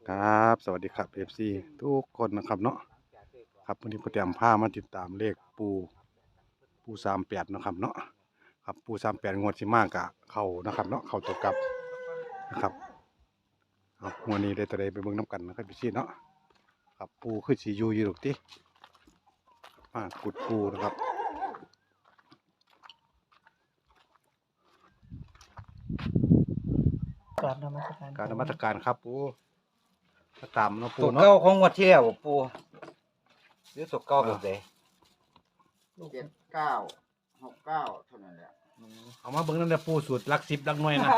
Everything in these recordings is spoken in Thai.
ครับสวัสดีครับ FC ทุกคนนะครับเนาะครับวันนี้ผมเตรียมผ้ามาติดตามเลขปู38นะครับเนาะครับปู38งวดสิมากะเข้านะครับเนาะเข้าตัวกลับนะครับครับงวดนี้ได้ตัวใดไปเบิ่งน้ำกันนะครับพี่เนาะครับปูคือสีอยู่หรอกติมากุดปูนะครับกราบนมัสการการนมัสการครับปูมาตามเนาะปูตัวเนาะเก้าของงวดที่แล้วบ่ปูหรือตัวเก้าแบบใด 7969เท่านั้นแหละเอามาเบิ่งนั่นแหละปูสูตรลัก10ลักหน่วยนะ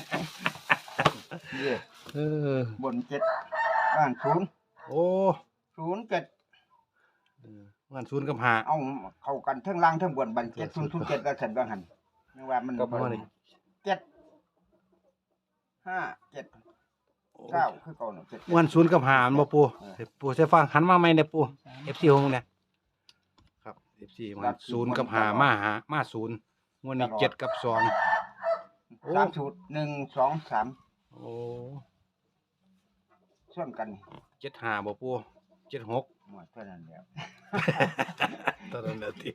นี่เออบน7บ้าน0 โอ้ 07 งานศูนย์กับหาเอาเข้ากันทั้งล่างทั้งบนบัน7007แล้วฉันว่าหั่นนึกว่ามันก็บ่ได้ 7 5 7 9คือเก่าเนาะ7 งานศูนย์กับหามันบ่ปูปูใช้ฟังหันมาใหม่เนี่ยปู FC หงเนี่ยครับ FC มันศูนย์กับหามาศูนย์งวดนี้7กับ2โอ้ 3สูตร1 2 3 โอ้ส่วนกัน 75บ่ปู76 หมดเท่านั้นแล้วตอนนั้นน่ะติ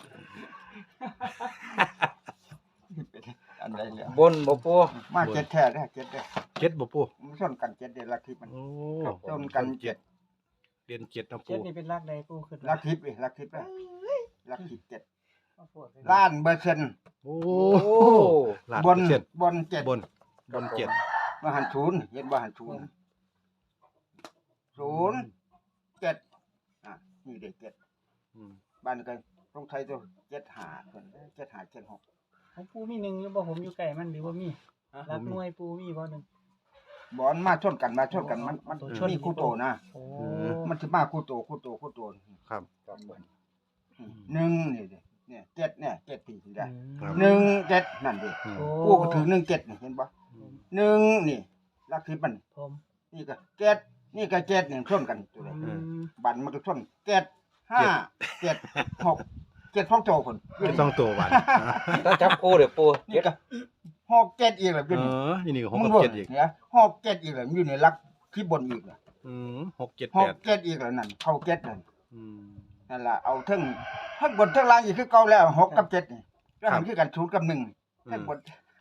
อันใดแล้วบนบ่ปูมา7แท้เด้อ7เด้อ 7บ่ปูมันส่วนกัน7เด้อลักทิพย์มันโอ้ส่วนกัน7 เรียน7นะเจ็ปูดนี่เป็นรากใดปูขึ้นลักทิพย์เด้อลักทิพย์เด้อลักทิพย์7 ล้าล้านเปอร์เซ็นต์โอ้โอ้ล้านบนเปอร์เซ็นต์บน7 บน7 มาหันศูนย์เห็นบ่หันศูนย์07นี่เด็ก7 อืมบ้านกันต้องไทยตัว75เพิ่น75 ของปูมีหนึ่งหรือบ่ผมอยู่ไกลมันหรือว่ามีรักหน่วยปูมีบ่หนึ่ง 76บอนมาชนกันมันตัวชนมีคู่โตนะโอ้มันสิมาคู่โตครับ 1นี่ดิเนี่ย7เนี่ย7ปีได้ครับ 1 7นั่นดิอืมโอ้กูก็ถือ1 7นี่เห็นบ่1นี่ลักทิพย์มันผมนี่ก็7นี่ก็7นี่ชนกันตัวใดอืมบันมันก็ชน7 5 7 6 7พ้องโตพุ่นต้องตัวหวานถ้าจับคู่เดี๋ยวปูนี่ก็6 7อีกแล้วเออยู่นี่อนี่ก็6 มึกังบบ่ 7อีกเนี่ย6 7อีกแล้วอยู่ในลักที่บนอีกแล้ว 6 7 6 8 7อีกแล้วนั่นเข้า7นั่นอืมนั่นล่ะเอาทั้งบนทั้งล่างอีกคือเก่าแล้ว6กับ7นี่ก็หันคือกัน0กับ1ทั้งบน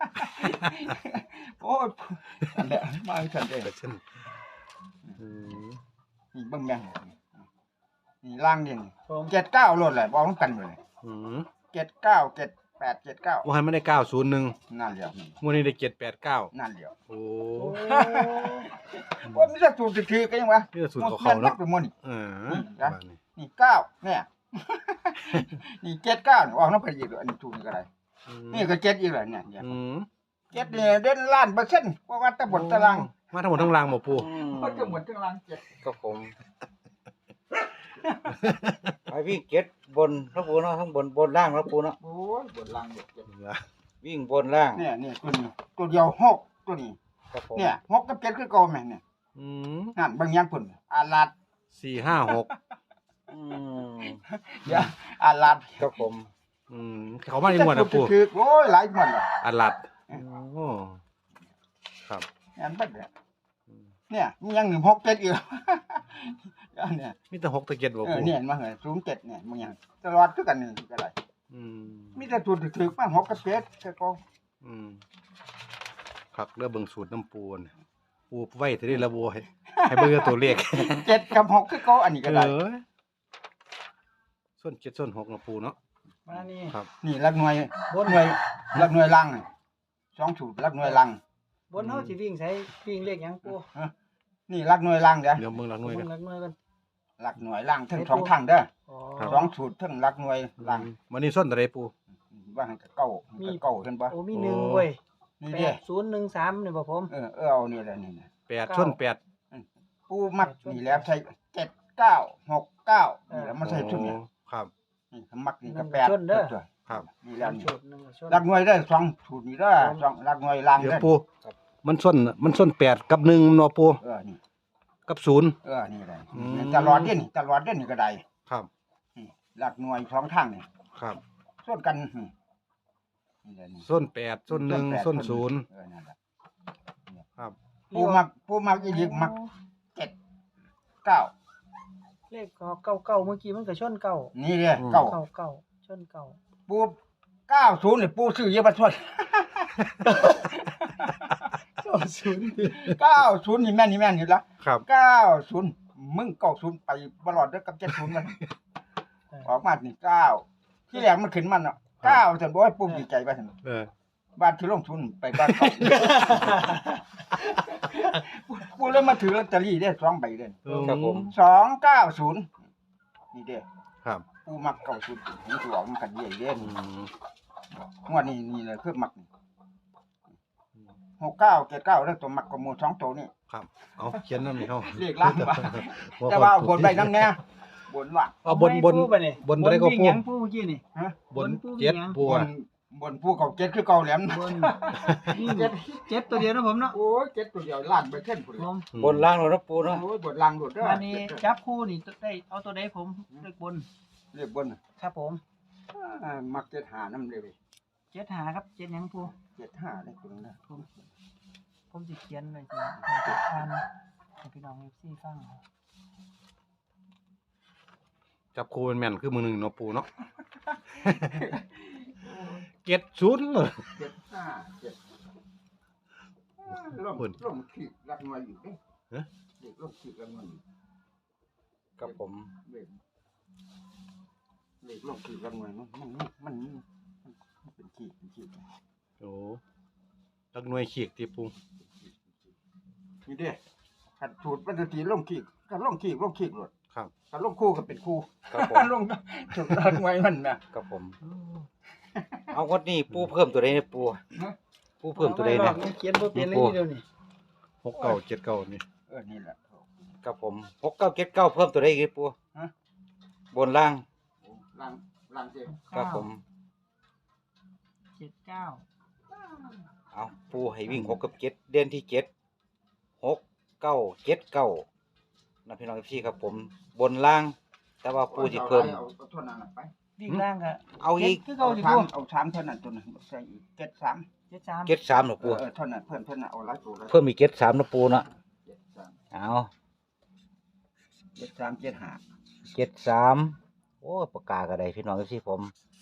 โอ้ยนั่นแหละมาให้ฉันได้เปอร์เซ็นต์อืมนี่เบิ่งแม่งนี่ล่างนี่ผม 79โลดแหละบ่ต้องกันเลยอืม 79 78 79 ว่าให้มันได้901 นั่นแหละงวดนี้ได้789 นั่นแหละโอ้โอ้ว่ามีสักสูตรถือกันยังวะนี่ก็สูตรของเขาเนาะหมดเป็นหมดนี่เออนะบ้านนี้นี่9เนี่ย นี่79ออกน้ำไปอีกอันนี้ถูกนี่ก็ได้อืมนี่ก็7อีกแล้วเนี่ยเนี่ยอืม 7เนี่ยเด่นล้านเปอร์เซ็นต์เพราะว่าตะบนตะลังมาทั้งหมดทั้งรางบ่ปูก็จะหมดทั้งลัง7 ครับผมไอ้วิ่งเก็ดบนแล้วปูเนาะทั้งบนล่างแล้วปูเนาะโอ้ยบนลังเจ็ดวิ่งบนล่างเนี่ยนี่ตัวนี้ตัวเดียว6ตัวนี้ครับผมเนี่ย6กับ7คือเก่าแม่นเนี่ยอืมนั่นบางอย่างพุ่นอาลาด 456 อืมอย่าอาลาดครับผมอืมเขามาในหมวดนะปูถือโอ้ยหลายหมวดแล้วอัดลัดโอ้ครับอันบัดเนี่ยอืมเนี่ยมีอย่างหนึ่ง6 7อีกแล้ว เนี่ยมีแต่6ตะเกียบบ่ปูเนี่ยมาเหรอ07เนี่ยมึงอย่างตลอดคือกันนี่ก็ได้อืมมีแต่สูตรถือมา6กับ7แต่ก็อืมครับเรื่องเบิ่งสูตรน้ำปูนปูไว้ที่ได้ระบุให้เบิ่งตัวเลข 7กับ6คือเก็อันนี้ก็ได้ส่วน7ส่วน6นะปูเนาะมานี่ครับนี่หลักหน่วยบนหน่วยหลักหน่วยลังนี่สองสูตรหลักหน่วยลังบนเฮาสิวิ่งใส่วิ่งเลขหยังปูนี่หลักหน่วยลังเด้อเดี๋ยวเบิ่งหลักหน่วยเบิ่กันงรักหน่วยกันหลักหน่วยลังทั้งสองทางเด้ออ๋อครับสองสูตรทั้งหลักหน่วยลังวันนี้ส่วนอะไรปูว่าให้กับเก้าเห็นบ่โอ้มีหนึ่งเว้ยนี่เด้ 8013นี่บ่ผมเอานี่แหละนี่นะ 8ส่วน8 ปูมักนี่แล้วใช้7969นี่แล้วมาใส่ชุดเนี่ยครับนี่มักนี่ก็8 ครับนี่แล้วนี่ชุดหนึงชนหลักหน่วยได้สองสูตรนี่เด้อสองหลักหน่วยลังเดี๋ยวเด้อปูมันส่วน8กับ1เนาะปูนี่กับ0 นี่ได้อืมตลอดเด้นี่ตลอดเด้นี่ก็ได้ครับนี่หลักหน่วยสองทางนี่ครับส่วนกันนี่แหละนี่ส่วน8ส่วน1ส่วน0 นั่นแหละครับปูมักอีกมักเก้าเลขเก้าเมื่อกี้มันก็ชนเก้านี่เนี่ยเก้าเก้าชนเก้าปู90นี่ปูซื้อเยอะบัดทวด 90นี่แม่นอยู่ละครับ 90มึง90ไปบ่รอดเด้อกับ70มันออกมานี่9ที่แรกมันขึ้นมันเนาะ9ซั่นบ่ให้ปูดีใจว่าซั่น บ้านที่ลงทุนไปบ้านเขา ปูเลยมาถือลอตเตอรี่ได้2ใบเด้อครับผม 290นี่เด้อครับปูมัก90มันสิออกมันกันใหญ่เด้อืมงวดนี้นี่แหละคือมัก69 79แล้วตัวมักก็หมู่2ตัวนี่ครับเอาเขียนนำนี่เฮาเลขล่างว่าแต่ว่าบนใบนำแน่บนว่าเอาบนบ่ได้ก็วิ่งปูหยังปูเมื่อกี้นี่ฮะบนเจ็ดปูบนบนผู้เก่าเจ็ดคือเก่าแหลมบนวิ่งเจ็ดตัวเดียวนะผมเนาะโอ้ยเจ็ดตัวเดียวล้านไปเท่นพุ่นผมบนล่างเลยนะปูเนาะโอ้ยบนล่างโดดเด้อวันนี้จับคู่นี่ได้เอาตัวใดผมเลขบนเรียกบนครับผมมักเจ็ดหาน้ำเลยเว้ยเจ็ดหาครับเจ็ดหยังปูเจ็ดห้าได้ตัวนึงนะผมสิเขียนไว้สิให้อ่านให้พี่น้องFCฟังจับคูแม่นคือมือหนึ่งเนาะปูเนาะ เก็ดศูนย์เลยเจ็ดห้าเจ็ดล่มขีดรักหน่วยอยู่เด้เด็กล่มขีดรักหน่วยอยู่ครับผมเด็กล่มขีดรักหน่วยมันเป็นขีดโอ้ลักหน่วยขีกที่ปูนี่เด้ขัดสูตรปฏิทินล่มขีดก็ล่มขีดหลดครับก็ล่มคู่ก็เป็นคู่ครับผมลงถูกรักหน่วยมันนะครับผม เอางวดนี้ปูเพิ่มตัวใดเนี่ยปูปูเพิ่มตัวใดนะเขียนบ่เป็นเลยนี่เดียวนี่ 6979นี่นี่แหละครับผม6979เพิ่มตัวใดอีกปูฮะบนล่างลังเจ็ดครับผม 79 เอาปูให้วิ่ง6กับ7เด่นที่7 6 9 7 9นะพี่น้องพี่ครับผม บนล่าง แต่ว่าปูสิเพิ่มเอาเท่านั้นไปวิ่งล่างก็เอาอีกคือเก่าสิเอาปูเอาสามเท่านั้นตัวนึงใส่อีกเจ็ดสาม 73 73นะปูเท่านั้นเพิ่มเท่านั้นเอาหลายตัวเลยเพิ่มอีก73นะปูเนาะเจ็ดสามเอาเจ็ดสามเจ็ดห้า 73โอ้ปากกาก็ได้พี่น้องพี่ผม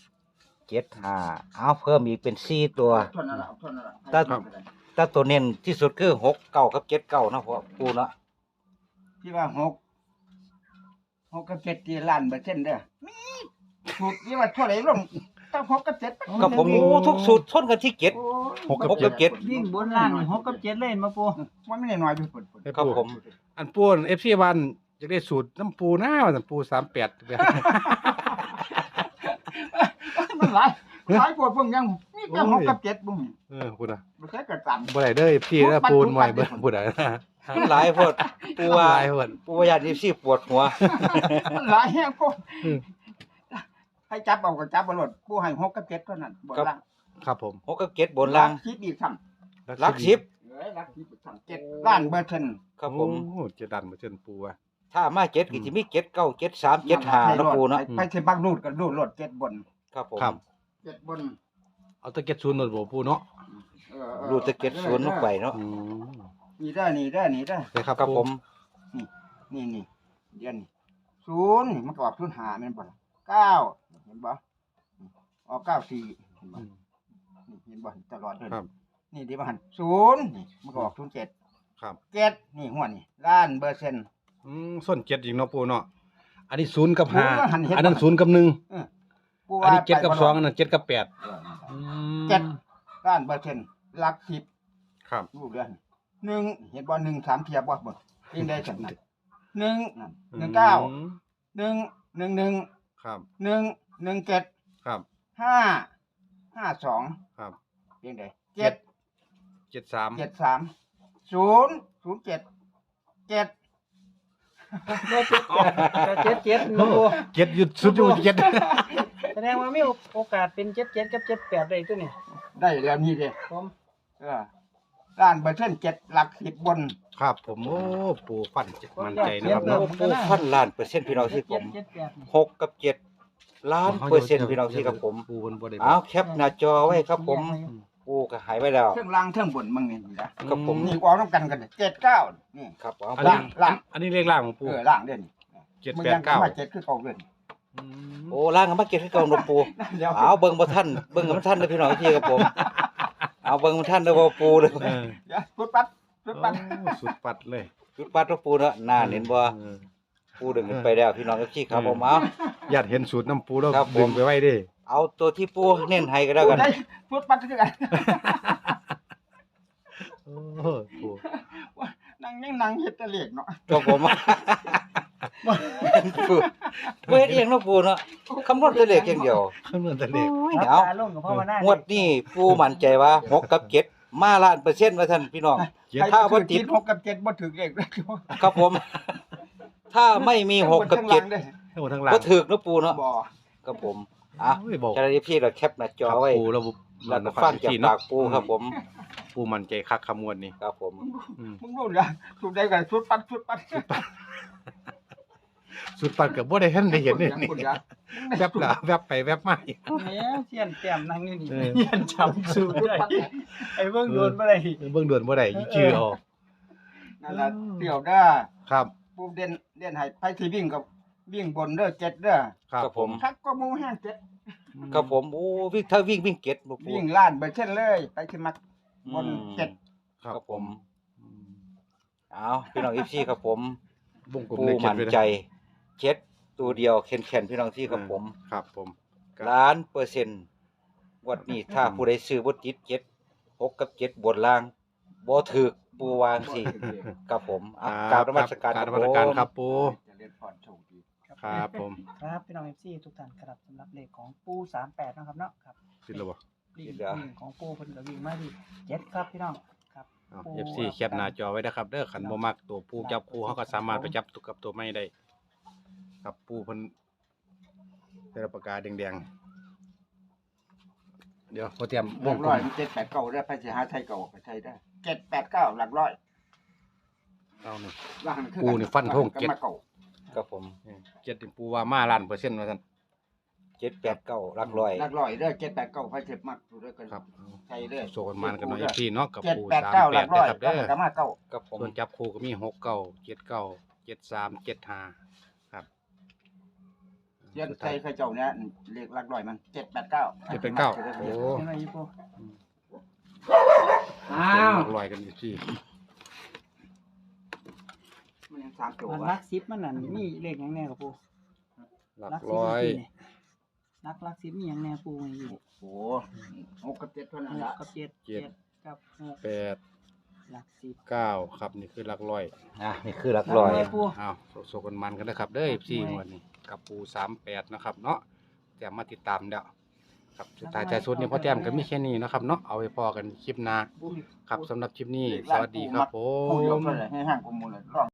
75เอาเพิ่มอีกเป็น4ตัวเท่านั้นละเอาเท่านั้นละแต่ตัวเน้นที่สุดคือ6 9กับ7 9นะพ่อปูเนาะที่ว่าหกกับเจ็ดที่ล้านเปอร์เซ็นต์เด้อถูกที่ว่าเท่าไหร่ลงต้องหกกับเจ็ดกับผมโอ้ทุกสูตรชนกันที่7 6กับ 6กับ7 วิ่งบนล่างนี่6กับ7เล่นมาปูมันไม่ได้น้อยด้วยปุ่นให้ครับปูผมอันปูน FC บ้านอยากได้สูตรน้ำปูหน้าว่าซั่นปู38 มันหลายปวดเพิ่งยังมีแต่หกกับเจ็ดบุ้งพูดน่ะไม่ใช่กระตันบ่ได้เด้อ FC เด้อปูนใหม่เบิ่งพูดได้นะมันหลายโพดปูว่าหลายเพิ่นปูว่าญาติพี่ปวดหัวมันหลายแห้งพวกอืมให้จับเอาก็จับบ่หลดผู้ให้หกกับเจ็ดเท่านั้นบ่ล่างครับผม 6กับ7บนล่างคิดอีกซ้ำหลัก10 เอ้ยรักที่ซ้ำ7ล้านเปอร์เซ็นต์ครับผมโอ้จะดันมาเชิญปูอ่ะถ้ามา7ก็สิมี7 9 7 3 7 5นะปูเนาะไปที่บักรูดก็รูดรถเจ็ดบนครับผมครับเจ็ดบนเอาตะเก็ดศูนย์หนวดบ่ปูเนาะรูดตะเก็ดสวนลงไปเนาะอืมนี่ได้นี่ได้นี่ได้ได้ครับครับผมนี่เดือนนี่ศูนย์นี่มันก็ออกศูนย์หาแม่นบ่ล่ะเก้าเห็นบ่ออก94เห็นบ่อืมนี่เห็นบ่ตลอดเลยครับนี่ที่บ่หันศูนย์นี่มันก็ออก07 ครับเจ็ดนี่หัวนี่ล้านเปอร์เซ็นต์ส้นเจ็ดอีกเนาะปูเนาะอันนี้ศูนย์กับห้าศูนย์ก็หันเห็นอันนั้นศูนย์กับหนึ่งผู้อันว่านี้เจ็ดกับไปสองบ่อันนั้นเจ็ดกับแปดเอออืมเจ็ด ล้านเปอร์เซ็นต์หลักสิบครับรูปเดือนหนึ่งเห็นบ่หนึ่งสามเทียบบ่เบิ่งเองได้จังนั้นหนึ่งนั่นอืม 19 หนึ่งหนึ่งครับ 1 17 ครับ 5 52 ครับเองได้ 73 7 0 7 7 77นะปูเจ็ดหยุดสุดอยู่เจ็ดแสดงว่ามีโอกาสเป็น77กับ78ได้ตัวนี้ได้แล้วนี่เด้ผมล้านเปอร์เซ็นต์7หลัก10บนครับผมโอ้ปูฟันมั่นใจนะครับโอ้เนาะปูพันล้านเปอร์เซ็นต์พี่น้องที่ผม 78นี่ 6กับ7ล้านเปอร์เซ็นต์พี่น้องที่ครับผมปูเพิ่นบ่ได้เอาแคปหน้าจอไว้ครับผมปูก็หายไปแล้วเครื่องล่างเครื่องบนมึงนี่นะครับผมนี่ออกน้ำกัน79นี่ครับเอาอันปูนี้ล่างอันนี้เลขล่างของปูล่างเด่น 789 มา7คือเก่าเด่นโอ้ล่างกันมาเก็บให้เก่าหลวงปูเอาเบิ่งบ่ทันเบิ่งกับมันทันเด้อพี่น้องพี่ครับผมเอาเบิ่งมันทันเด้อบ่ปูเด้อเอออย่าพุดปัดพุดปัดโอ้สุดปัดเลยจุดปัดหลวงปูเนาะน่าเห็นบ่เออปูดึงขึ้นไปแล้วพี่น้องพี่ครับผมเอาอยากเห็นสูตรน้ำปูแล้วครับผมดึงไปไว้ดิเอาตัวที่ปูเน้นให้ก็แล้วกันได้พุดปัดคือกันโอ้ปูนั่งเฮ็ดแตะเลขเนาะครับผมปูบ่เฮ็ดเองเนาะปูเนาะคำนวณตัวเลขอย่างเดียวคำนวณแต่เลขรับเอาตาลงกับพ่อมาหน้างวดนี้ปูมั่นใจว่า6กับ7มาล้านเปอร์เซ็นต์ว่าท่านพี่น้อง ถ้าบ่ติด 6กับ7บ่ถึงเลขเลยครับผม ถ้าไม่มี6กับทั้งล่าง 7 เด้อทั้งหมดทั้งหลังบ่ถูกเนาะปูเนาะบ่ครับผมอ่ะโอ้ยบอกเจ้าหน้าที่พี่เราแคปหน้าจอไว้ปูแล้วแล้วก็ฟังจากปากปูครับผมปูมันใจคักขมวดนี่ครับผมอืมมึงรู้นะถูกได้กันพุดปัดสุดปัดกับบ่ได้เห็นได้เห็นนี่คุณยะแวบละแวบไปแวบมาอีกแล้วเสียนแต้มนั่งอยู่นี่เออเสียนจำสูตรได้ไอ้เบิ่งโดนบ่ได้เบิ่งด่วนบ่ได้อีชื่อเอานั่นล่ะเดี่ยวเด้อครับปูเด่นให้ไปที่วิ่งกับวิ่งบนเด้อ7เด้อครับผมคักก็หมู่แห้ง7 ครับผมโอ้วิ่งถ้าวิ่งเก็ตบ่ปูวิ่งล้านเปอร์เซ็นต์เลยไปที่มักบน7 ครับผมเอาพี่น้อง FC ครับผมวงกลมปูเลขเจ็ดมั่นไปเลยใจเจ็ดตัวเดียวแข็งๆพี่น้องที่ครับผมครับผมล้านเปอร์เซ็นต์วันนี้ถ้าผู้ใดซื้อบ่ติด7 6กับ7บนล่างบ่ถูกปูวางสิครับผมอ่ะกราบนมัสการกราบนคมัรับสการผมครับปูจะเรียนพรโชคดีครับผมครับพี่น้อง FC ทุกท่านครับสำหรับเลขของปู38นะครับเนาะครับสิแล้วบ่วิ่งของปูเพิ่นก็วิ่งมาที่7ครับพี่น้องครับเอา FC แคปหน้าจอไว้นะครับเด้อคันบ่มักตัวปูจับปูเฮาก็สามารถไปจับตัวกับตัวไม่ได้ครับปูเพิ่นได้รับปากกาแดงๆเดี๋ยวพอเตรียมหวลังกกลร้อยม 789ได้ไปสิหาไทยเก่าไปไทยได้789หลักร้อยเอานี่ล่างคือปูนี่ฟันธงก็เจ็ดมาเก่าครับผมเจ็ดนี่ปูว่ามาล้านเปอร์เซ็นต์ว่าซั่น 789หลักร้อยหลักร้อยเด้อ789ไปเจ็บมักดูด้วยกันครับไทยเด้อโซกันมันกันหน่อยพี่เนาะกับปู 789หลัก 38 ร้อยนะครับเด้อก็มาเก่าครับผมส่วนจับคู่ก็มี69 79 73 75ครับเรียนไทยเขาเจ้าเนี่ยเลขหลักร้อยมัน789 789โอ้ยังไงปูอ้าวลอยกันอยู่ที่มันยัง3ตัวมันวะรัก10มันนั่นมีเลขหยังแน่กับปูหลักรักร้อยรัก10มีหยังแน่ปูไว้อยู่โอ้6กับ7เท่านั้น 6 ละกับ7 7กับ6 8 หลัก10 9ครับนี่คือหลักร้อยนี่คือหลักร้อยปูอ้าวโซกันมันกันนะครับเด้อพี่งวดนี้กับปู38นะครับเนาะแต้มมาติดตามแล้วครับสุดท้ายท้ายสุดนี่พ่อแต้มก็มีแค่นี้นะครับเนาะเอาไว้พอกันคลิปหน้าครับสำหรับคลิปนี้สวัสดีครับผผู้เดียวมเท่านั้นให้ห่างกว่าหมู่เลย